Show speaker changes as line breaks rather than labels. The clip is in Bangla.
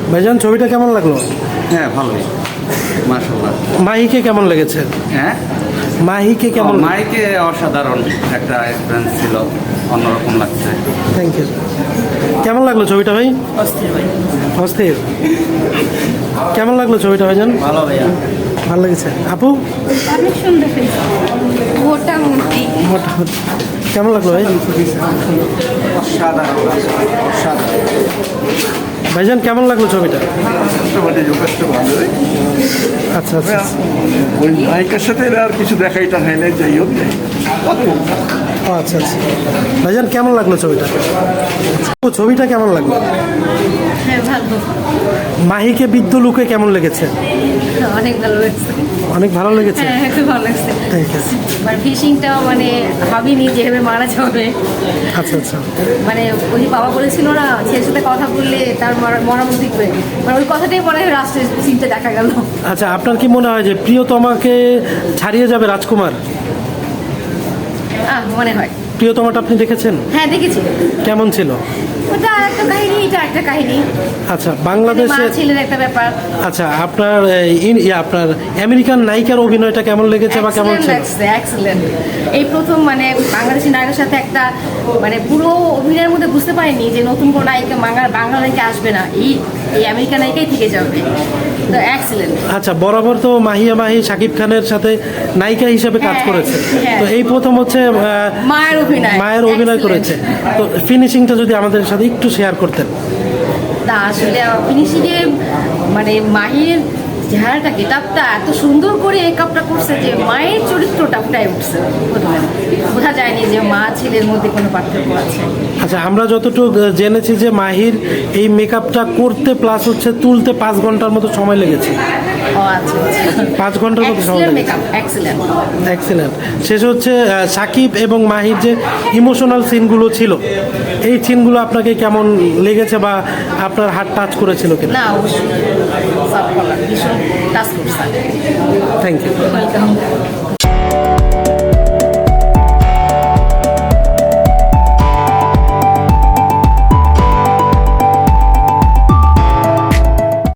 ভাইজান ছবিটা কেমন লাগলো?
হ্যাঁ ভালোই, মাশাআল্লাহ।
মাহিকে কেমন লেগেছে?
হ্যাঁ,
মাহিকে কেমন?
মাইকে অসাধারণ একটা এক্সপিরিয়েন্স ছিল, অন্যরকম লাগছে।
Thank you. কেমন লাগলো ছবিটা ভাই?
অস্থির ভাই।
অস্থির। কেমন লাগলো ছবিটা ভাইজান?
ভালো ভাইয়া।
ভালো লেগেছে। আপু
অনেক সুন্দর হয়েছে মোটামুটি।
মোটামুটি। কেমন লাগলো ভাই?
অসাধারণ, অসাধারণ।
ভাইজান কেমন লাগলো ছবিটা?
যথেষ্ট ভালোই।
আচ্ছা আচ্ছা।
ওই নায়িকার সাথে এরা আর কিছু দেখাইটা হয় না, যাই হোক।
ও আচ্ছা আচ্ছা। ভাইজান কেমন লাগলো ছবিটা? ও ছবিটা কেমন লাগলো?
হ্যাঁ ভালো,
মাহিকে বৃদ্ধ লুকে কেমন লেগেছে?
অনেক ভালো লাগছে।
অনেক ভালো লেগেছে।
হ্যাঁ খুব ভালো লাগছে।
Thank you.
আর ফিশিংটাও মানে ভাবিনি যেভাবে মারা যাবে।
আচ্ছা আচ্ছা।
মানে ওই যে বাবা বলেছিল না ছেলের সাথে কথা বললে তার মরামত দিবে, মানে ওই কথাটাই পরে রাষ্ট্রের সিনটা দেখা গেল।
আচ্ছা, আপনার কি মনে হয় যে প্রিয়তমাকে ছাড়িয়ে যাবে রাজকুমার?
মনে হয়।
প্রিয়তমাটা আপনি দেখেছেন?
হ্যাঁ দেখেছি।
কেমন ছিল?
ওটা একটা কাহিনী, এটা একটা কাহিনী।
আচ্ছা,
মা
বাংলাদেশে
ছেলের একটা ব্যাপার।
আচ্ছা, আপনার আপনার আমেরিকান নায়িকার অভিনয়টা কেমন লেগেছে বা কেমন ছিল?
এক্সেলেন্ট। এই প্রথম মানে বাংলাদেশি নায়কের সাথে একটা মানে পুরো অভিনয়ের মধ্যে বুঝতে পারিনি যে নতুন কোনো নায়িকা বাংলা নায়িকা আসবে না, এই আমেরিকান নায়িকাই থেকে যাবে। তো এক্সেলেন্ট।
আচ্ছা, বরাবর তো মাহিয়া মাহি শাকিব খানের সাথে নায়িকা হিসেবে কাজ
হ্যাঁ,
করেছে,
হ্যাঁ।
তো এই প্রথম হচ্ছে মায়ের অভিনয় করেছে। তো ফিনিশিংটা যদি আমাদের সাথে একটু শেয়ার করতেন।
তা আসলে ফিনিশিংয়ে মানে মাহির চেহারাটা গেটআপটা এত সুন্দর করে মেকআপটা করছে যে মায়ের চরিত্রটা ফুটাই উঠছে। বোঝা যায়নি যে মা ছেলের মধ্যে কোনো পার্থক্য আছে।
আচ্ছা, আমরা যতটুকু জেনেছি যে মাহির এই মেকআপটা করতে প্লাস হচ্ছে তুলতে 5 ঘন্টার মতো সময় লেগেছে।
ও আচ্ছা আচ্ছা।
5 ঘন্টার মতো সময় লেগেছে।
Makeup excellent.
এক্সেলেন্ট। শেষ হচ্ছে সাকিব এবং মাহির যে ইমোশনাল সিনগুলো ছিল, এই সিনগুলো আপনাকে কেমন লেগেছে বা আপনার হার্ট টাচ করেছিল কিনা?
না অবশ্যই ভীষণ টাচ করছে।
Thank you.
ওয়েলকাম।